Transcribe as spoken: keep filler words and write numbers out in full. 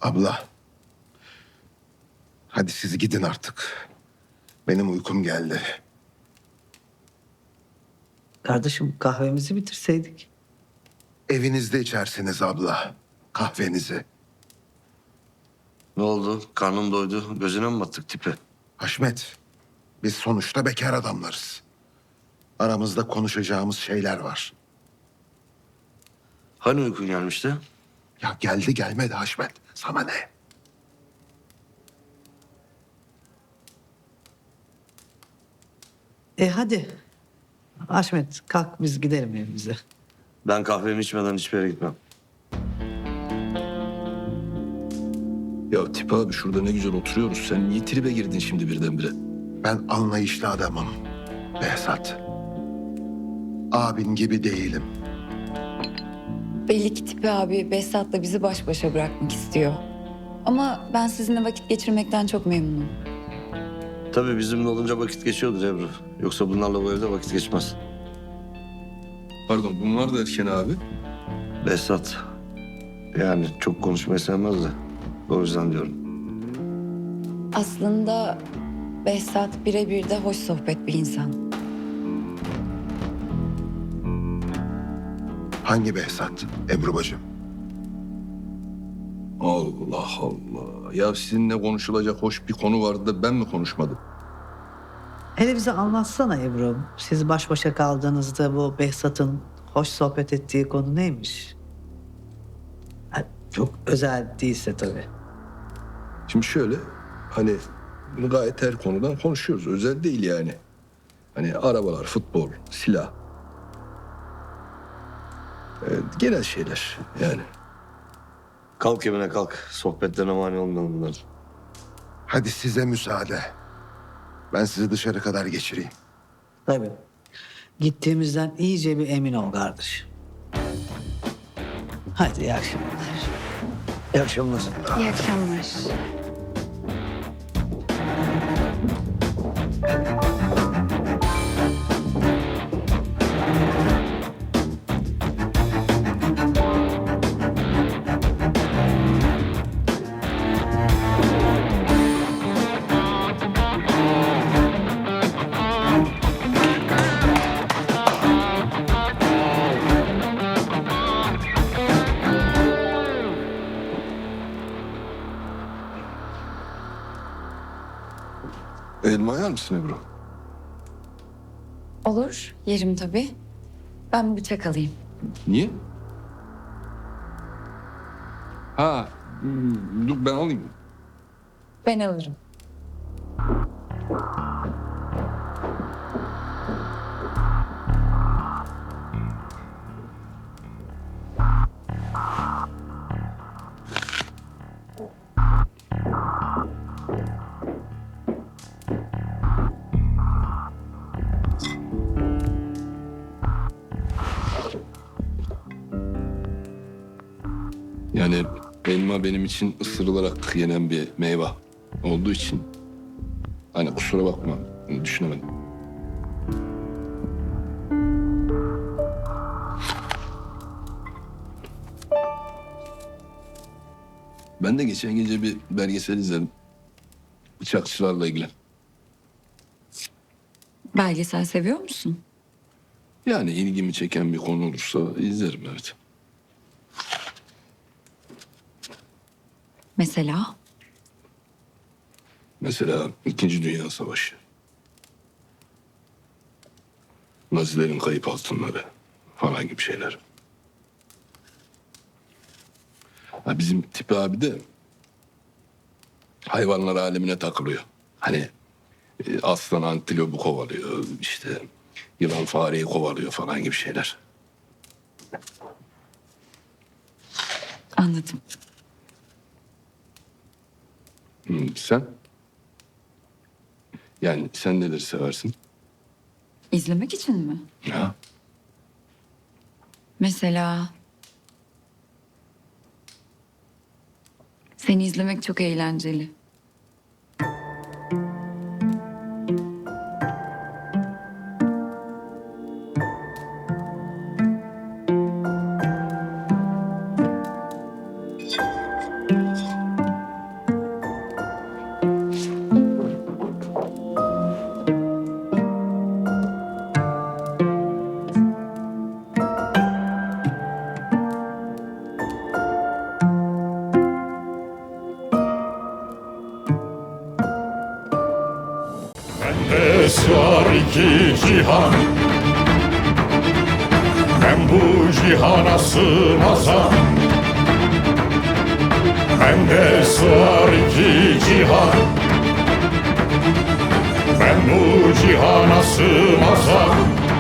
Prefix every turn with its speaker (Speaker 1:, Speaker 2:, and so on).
Speaker 1: Abla. Hadi siz gidin artık. Benim uykum geldi.
Speaker 2: Kardeşim kahvemizi bitirseydik.
Speaker 1: Evinizde içersiniz abla. Kahvenizi.
Speaker 3: Ne oldu? Karnım doydu. Gözüne mi battık tipi?
Speaker 1: Haşmet, biz sonuçta bekar adamlarız. Aramızda konuşacağımız şeyler var.
Speaker 3: Hani uykun gelmişti?
Speaker 1: Ya geldi gelmedi Haşmet. Sana ne?
Speaker 2: E hadi. Haşmet kalk biz gidelim evimize.
Speaker 3: Ben kahvemi içmeden hiçbir yere gitmem.
Speaker 4: Ya Tip abi şurada ne güzel oturuyoruz. Sen niye tribe girdin şimdi birdenbire?
Speaker 1: Ben anlayışlı adamım. Behzat. Abin gibi değilim.
Speaker 5: Belli ki Tipi abi Behzat'la bizi baş başa bırakmak istiyor. Ama ben sizinle vakit geçirmekten çok memnunum.
Speaker 3: Tabii bizimle olunca vakit geçiyordur Ebru. Yoksa bunlarla bu evde vakit geçmez.
Speaker 4: Pardon bunlar da erken abi.
Speaker 3: Behzat. Yani çok konuşmayı sevmez de. O yüzden diyorum.
Speaker 5: Aslında Behzat birebir de hoş sohbet bir insan.
Speaker 1: Hangi Behzat? Ebru bacım.
Speaker 4: Allah Allah. Ya sizinle konuşulacak hoş bir konu vardı da ben mi konuşmadım?
Speaker 2: Hele bize anlatsana Ebru. Siz baş başa kaldığınızda bu Behzat'ın hoş sohbet ettiği konu neymiş? Ha, çok özel değilse tabii.
Speaker 4: Şimdi şöyle hani gayet her konudan konuşuyoruz. Özel değil yani. Hani arabalar, futbol, silah. Evet, genel şeyler yani.
Speaker 3: Kalk evine kalk. Sohbetlerine mani olmayalım bunlar.
Speaker 1: Hadi size müsaade. Ben sizi dışarı kadar geçireyim.
Speaker 2: Tabii. Gittiğimizden iyice bir emin ol kardeş. Hadi iyi akşamlar. İyi akşamlar.
Speaker 5: İyi akşamlar.
Speaker 4: Elma yer misin Ebru?
Speaker 5: Olur, yerim tabii. Ben bir bıçak alayım.
Speaker 4: Niye? Ha, hmm, dur ben alayım.
Speaker 5: Ben alırım.
Speaker 4: Yani elma benim için ısırılarak yenen bir meyve olduğu için hani kusura bakma düşünemedim. Ben de geçen gece bir belgesel izledim. Bıçakçılarla ilgili.
Speaker 5: Belgesel seviyor musun?
Speaker 4: Yani ilgimi çeken bir konu olursa izlerim evet.
Speaker 5: Mesela?
Speaker 4: Mesela İkinci Dünya Savaşı. Nazilerin kayıp altınları falan gibi şeyler. Ha, bizim Tipi abi de hayvanlar alemine takılıyor. Hani e, aslan antilopu kovalıyor, işte yılan fareyi kovalıyor falan gibi şeyler.
Speaker 5: Anladım.
Speaker 4: Hı, sen? Yani sen neleri seversin?
Speaker 5: İzlemek için mi?
Speaker 4: Ha?
Speaker 5: Mesela... Seni izlemek çok eğlenceli.
Speaker 6: Bende sığar iki cihan, ben bu cihana sığmazam. Bende sığar iki cihan, ben bu cihana sığmazam.